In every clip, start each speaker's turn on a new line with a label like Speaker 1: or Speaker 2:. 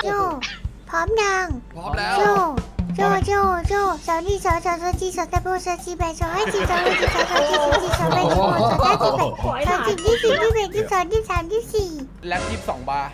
Speaker 1: โจพร้อมยัง
Speaker 2: พร้อมแล้ว
Speaker 1: โจสาวนี่สาวจีสาวตะโบสาวจีแบสาวให้จีสาวให้จีสาวจีสาวจีสาวแบสาวสาวจีแบสาวจีที่สี่ที่แบที่สองที่สามที่สี่
Speaker 2: แล็บ22 บาร์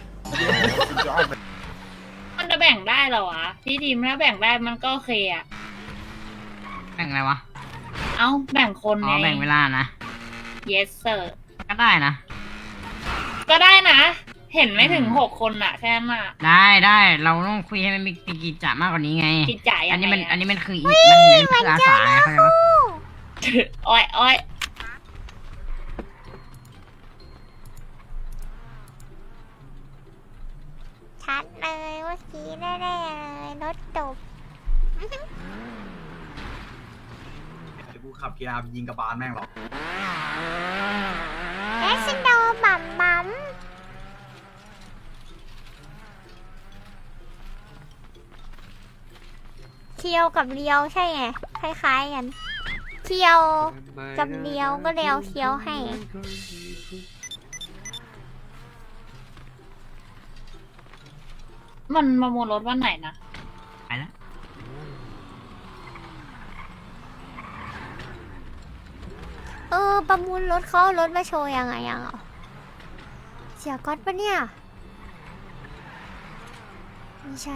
Speaker 3: มันจะแบ่งได้เหรอวะพี่ทีมถ้าแบ่งได้มันก็โอเคอะ
Speaker 4: แบ่งอะไรวะ
Speaker 3: เอ้าแบ่งคน
Speaker 4: อ๋อ
Speaker 3: ไง
Speaker 4: แบ่งเวลานะ
Speaker 3: yes sir
Speaker 4: ก็ได้นะ
Speaker 3: ก็ได้นะ เห็นไม่ถึง6 คนอะแค่นั้นอะ
Speaker 4: ได้เราต้องคุยให้มันมีกิจจะมากกว่านี้ไง
Speaker 3: กินจ่าย
Speaker 4: อั
Speaker 3: ยั
Speaker 4: น
Speaker 3: ง
Speaker 4: นี้
Speaker 3: ไง
Speaker 4: มันอั
Speaker 3: อะ
Speaker 4: นนี้มันคืออีกมันคืออาสาไงเข้าใจปะ
Speaker 3: อ้อย
Speaker 1: ชัดเลยเมื่อกี้แน่ๆเลยรถจบ
Speaker 5: กูขับเกียร์ยิงกระบาลแม่งหรอก
Speaker 1: เอสโดบัมบัมเคียวกับเลียวใช่ไงคล้ายๆกันเคียวกับเลียวก็เลียวเคียวให้
Speaker 3: มันมาโมรถวันไหนนะ
Speaker 4: ไปแล้ว
Speaker 1: ประมูลรถเขาเอารถมาโชว์ยังไงยังอ่ะเสียก๊อตปะเนี่ยไม่ใช่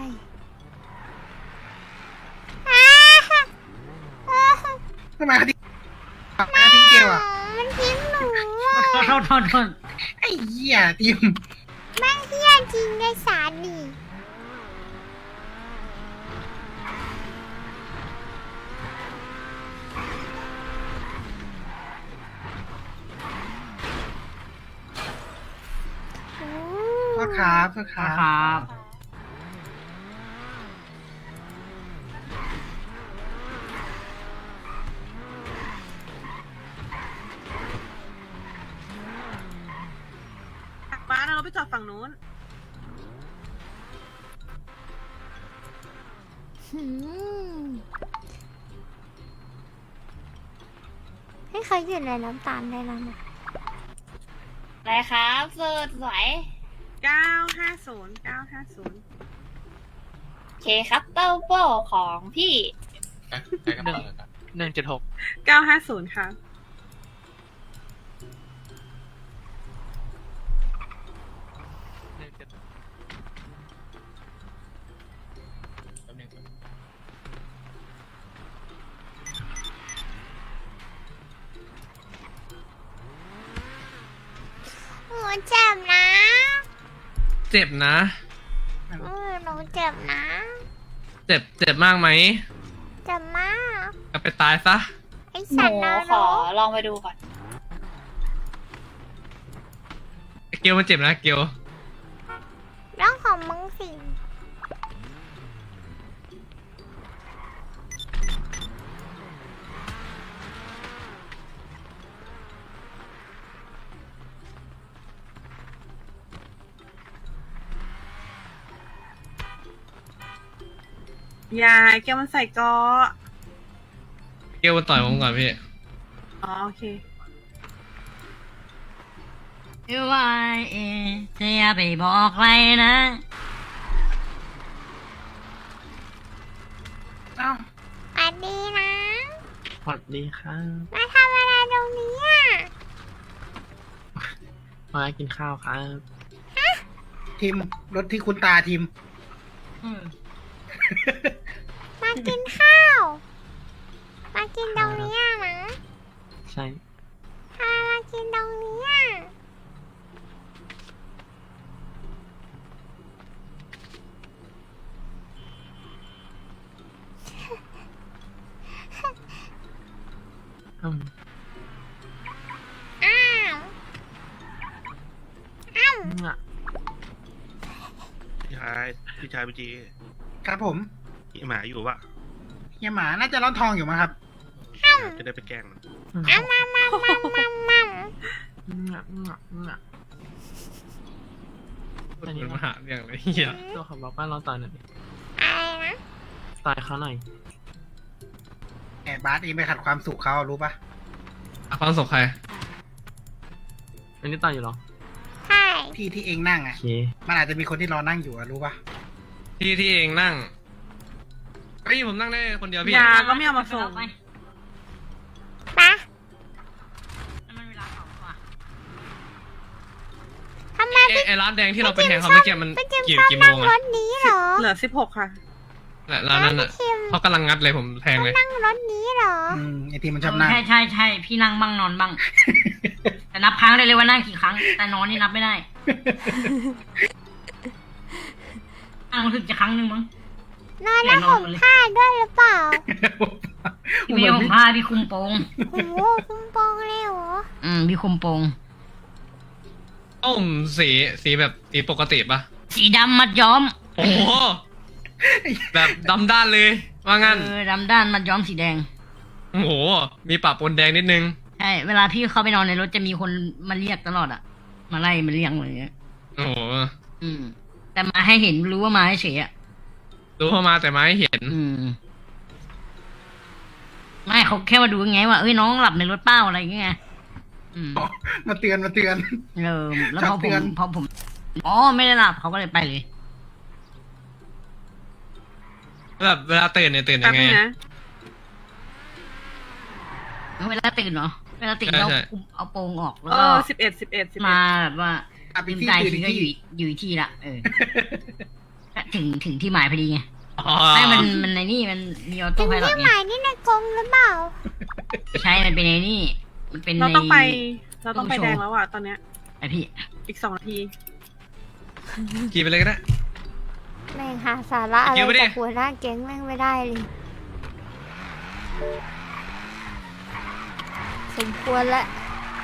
Speaker 5: ทำไมเขาทิ้งเกียวอ่ะ
Speaker 1: มันทิ้งหนูอ่ะ
Speaker 4: โทษ
Speaker 5: ไอ้เหี้ยทีม
Speaker 1: แม่งเฮี้ยจริงไอ้สารนี่
Speaker 5: โทษครับโทษค
Speaker 4: ค
Speaker 5: รั
Speaker 4: รับ บ
Speaker 6: บ้านเราไปจอดฝั่งนู้น
Speaker 1: หืมให้เขาหยุดเลยน้ำตาลได้แล้วนะ
Speaker 3: อะไรครับเสิร์ชสวย
Speaker 6: 950
Speaker 3: โอเคครับเต้าโป้ของพี่
Speaker 6: 950ค่ะ
Speaker 1: หนูเจ็บนะ
Speaker 7: เจ็บนะ
Speaker 1: หนูเจ็บนะ
Speaker 7: เจ็บมากไหม
Speaker 1: เจ็บมาก
Speaker 7: เอาไปตายซะ
Speaker 1: ไอ้
Speaker 3: ห
Speaker 1: สัต
Speaker 3: นู
Speaker 1: ว์นร
Speaker 3: ขอก ลองไปดูก่อน
Speaker 7: เกลมันเจ็บนะเกล
Speaker 1: เรื่องของมึงสิ
Speaker 6: ยายแกมันใส่เกาะ
Speaker 7: เกลมันต่อยผมก่อนพี่
Speaker 6: อ๋อโอเค
Speaker 4: ว่าจะอย่าไปบอกใครนะ
Speaker 5: เอ้า
Speaker 1: สวัสดีนะ
Speaker 7: สวัสดีครับ
Speaker 1: มาทำอะไรตรงนี้อ่ะ
Speaker 7: มากินข้าวครับ
Speaker 5: ทีมรถที่คุณตาทีม
Speaker 1: มากินข้าว มากินตรงนี้อ่ะนะ
Speaker 7: ใช่
Speaker 1: ทำไมมากินตรงนี้อ่ะ
Speaker 7: อืม
Speaker 1: อ้าวอ้าว
Speaker 8: พี่ชายพี่จี
Speaker 5: ครับผม
Speaker 8: พี่หมาอยู่ปะ
Speaker 5: เฮียหมาน่าจะร้อนทองอยู่มั้งครับ
Speaker 8: จะได้ไปแกล้งมัน
Speaker 1: อ้าวมา
Speaker 7: มันมาหาเรื่องอะไรเหี้ย
Speaker 9: ตัวเขาบอกว่าเราต่อยหน่อยดิ
Speaker 1: อะไรนะ
Speaker 9: ต่อยเขาหน่อย
Speaker 5: แอบบาสเองไปขัดความสุขเขารู้ปะ
Speaker 7: ความสุขใคร
Speaker 9: อันนี้ต่อยอยู่เหรอ
Speaker 1: ใช่
Speaker 5: ที่เองนั่ง
Speaker 9: โอ
Speaker 5: อ่ะ
Speaker 9: เค
Speaker 5: มันอาจจะมีคนที่รอนั่งอยู่อะรู้ปะ
Speaker 7: ที่เองนั่งเฮ้ยผมนั่งได้คนเดียวพี่
Speaker 6: ยาก็ไม่เอามาส่ง
Speaker 4: ไป
Speaker 1: ปะ
Speaker 4: นั่นมันเวลาของว่ะ
Speaker 1: ทำไม
Speaker 7: ไอ้ร้านแดงที่เราไปแทงเขาเมื่อกี้มัน
Speaker 1: ไปจิม
Speaker 7: กี่
Speaker 1: ชอบ
Speaker 7: กี่โม
Speaker 1: นั่ง
Speaker 7: ง
Speaker 1: ร
Speaker 7: อะ
Speaker 1: ถนี้เหรอ
Speaker 6: เหลือ16ค่ะ
Speaker 7: ร้านนั้นอะเขากำลังงัดเลยผมแทงเลย
Speaker 1: นั่งรถนี้เหรอ
Speaker 5: ไอทีมันชอบนั่ง
Speaker 4: ใช่พี่นั่งบ้างนอนบ้าง แต่นับครั้งได้เลยว่านั่งกี่ครั้ง แต่นอนนี่นับไม่ได้นั่งรู้สึกจะครั้งหนึ่งมั้ง
Speaker 1: นอนแล้วห่มผ้าด้วยหรือเปล่า
Speaker 4: พี่ไม่ผมผ้าพี่คุมโปง
Speaker 1: โอ้โหคุ้มโปองเลยเหรอ
Speaker 4: พี่คุมโปง
Speaker 7: สีแบบสีปกติปะ
Speaker 4: สีดำมัดย้อม
Speaker 7: โอ้โหแบบดำด้านเลยว่างั้น
Speaker 4: ดำด้านมัดย้อมสีแดง
Speaker 7: โอ้โหมีปะปนแดงนิดนึง
Speaker 4: ใช่ เวลาพี่เข้าไปนอนในรถจะมีคนมาเรียกตลอดอะมาไล่มาเรียกอะไรอย่างเงี้ย
Speaker 7: โอ้โห
Speaker 4: แต่มาให้เห็นรู้ว่ามาให้เฉยอะ
Speaker 7: รู้เข้ามาแต่มาให้เห็น
Speaker 4: ไม่เขาแค่มาดูไงว่าเอ้ยน้องหลับในรถเป้าอะไรอย่างเงี้ยอืม
Speaker 5: มาเตือน
Speaker 4: แล้วพอ
Speaker 5: จับเตือน
Speaker 4: ผมอ๋อไม่ได้หลับเขาก็เลยไปเลย
Speaker 7: แบบเวลาตื่นเนี่ยตื่น
Speaker 6: แป๊
Speaker 7: ยั
Speaker 6: บ
Speaker 7: งไง
Speaker 6: นึงนะ
Speaker 4: เวลาตื่นเนาะเวลาตื่นเรา
Speaker 7: ใช่
Speaker 4: เอาโปรงออกแล้ว
Speaker 6: เอ
Speaker 4: ก็
Speaker 6: อ11
Speaker 4: มาแบบว่า
Speaker 5: อ่ะไป
Speaker 4: ลืม
Speaker 5: ที่
Speaker 4: ตา
Speaker 5: ตื่น
Speaker 4: ทีก็
Speaker 5: ที่
Speaker 4: อยู่อีกที่ละถึงที่หมายพอดีไง
Speaker 7: อ๋อ
Speaker 4: ไม่มันในนี่มันมีออโต้
Speaker 1: ถึง
Speaker 4: ไพลอต
Speaker 1: ที่
Speaker 4: ไง
Speaker 1: หมายนี่ในกรงหรือเปล่า
Speaker 4: ใช่ มันเป็นในนี่ มันเป็น
Speaker 6: เรา
Speaker 4: ใน
Speaker 6: ต้องไป
Speaker 4: ตู้โชว์
Speaker 6: แดงแล้วอ่ะตอนเนี้ย
Speaker 4: ไอพี่
Speaker 6: อีก2 นาที
Speaker 7: ขี่ไปเลยก็ได้
Speaker 1: แม่งหาสาระอะไร
Speaker 7: เกี่ยวไม่ได้
Speaker 1: จากหัวหน้าแก๊งแม่งไม่ได้เลย สมควรแล้ว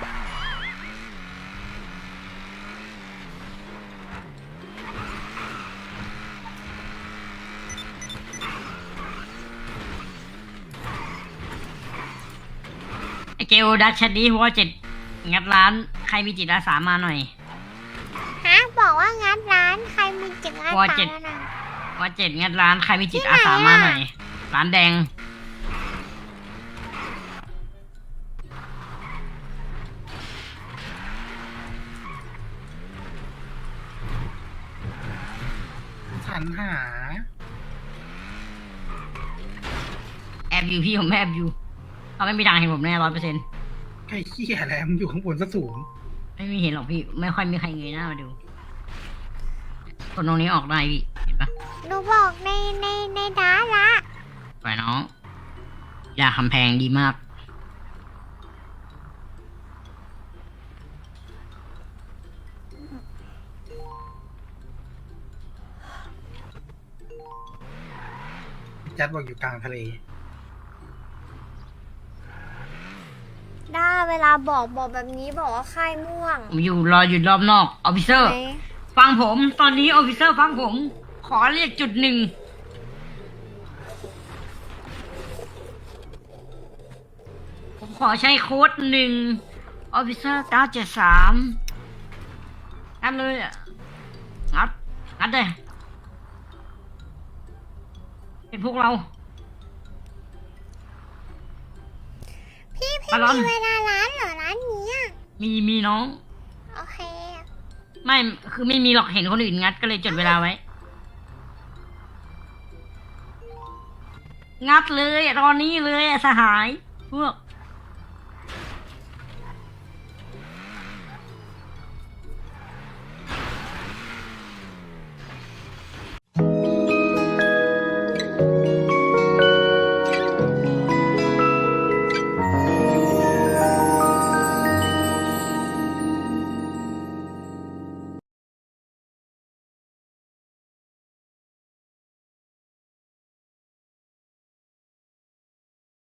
Speaker 4: ไอเกลดัชชัดดีหัวเจ็ดงัดร้าน ใครมีจิตอาสามาหน่อย
Speaker 1: ฮะบอกว่างัดร้านใครมีจิตอา
Speaker 4: ว่า
Speaker 1: สา
Speaker 4: เจ็ด
Speaker 1: นะ
Speaker 4: หัวเจ็ดงัดร้าน ใครมีจิตอาสามาหน่อย ร้านแดง
Speaker 5: สรรหา
Speaker 4: แอบอยู่พี่ผมแอบอยู่เขาไม่มีทางเห็นผมแน่100%
Speaker 5: ไอ้เหี้ยอะไรมันอยู่ข้างบนซะสูง
Speaker 4: ไม่มีเห็นหรอกพี่ ไม่ค่อยมีใครเงยหน้ามาดู คนตรงนี้ออกได้พี่ เห็นปะ
Speaker 1: หนูบอกในดาละ
Speaker 4: ไปน้องยาคำแพงดีมาก
Speaker 5: จัดบอกอยู่กลางทะเล
Speaker 1: ด้าเวลาบอกแบบนี้บอกว่าค่ายม่วง
Speaker 4: ผมรออยู่รอบนอกออฟฟิเซอร์
Speaker 1: ไหน
Speaker 4: ฟังผม ตอนนี้ออฟฟิเซอร์ฟังผม ขอเรียกจุดหนึ่ง ผมขอใช้โค้ด1ออฟฟิเซอร์973งัดเลยอะงัดเลยเป็นพวกเรา
Speaker 1: พี่
Speaker 4: บอลลอน
Speaker 1: มีเวลาร้านเหรอร้านนี้อะ
Speaker 4: มีน้อง
Speaker 1: โอเค
Speaker 4: ไม่ คือไม่มีหรอกเห็นคนอื่นงัดก็เลยจดเวลาไว้ งัดเลยตอนนี้เลยอะสหาย พวก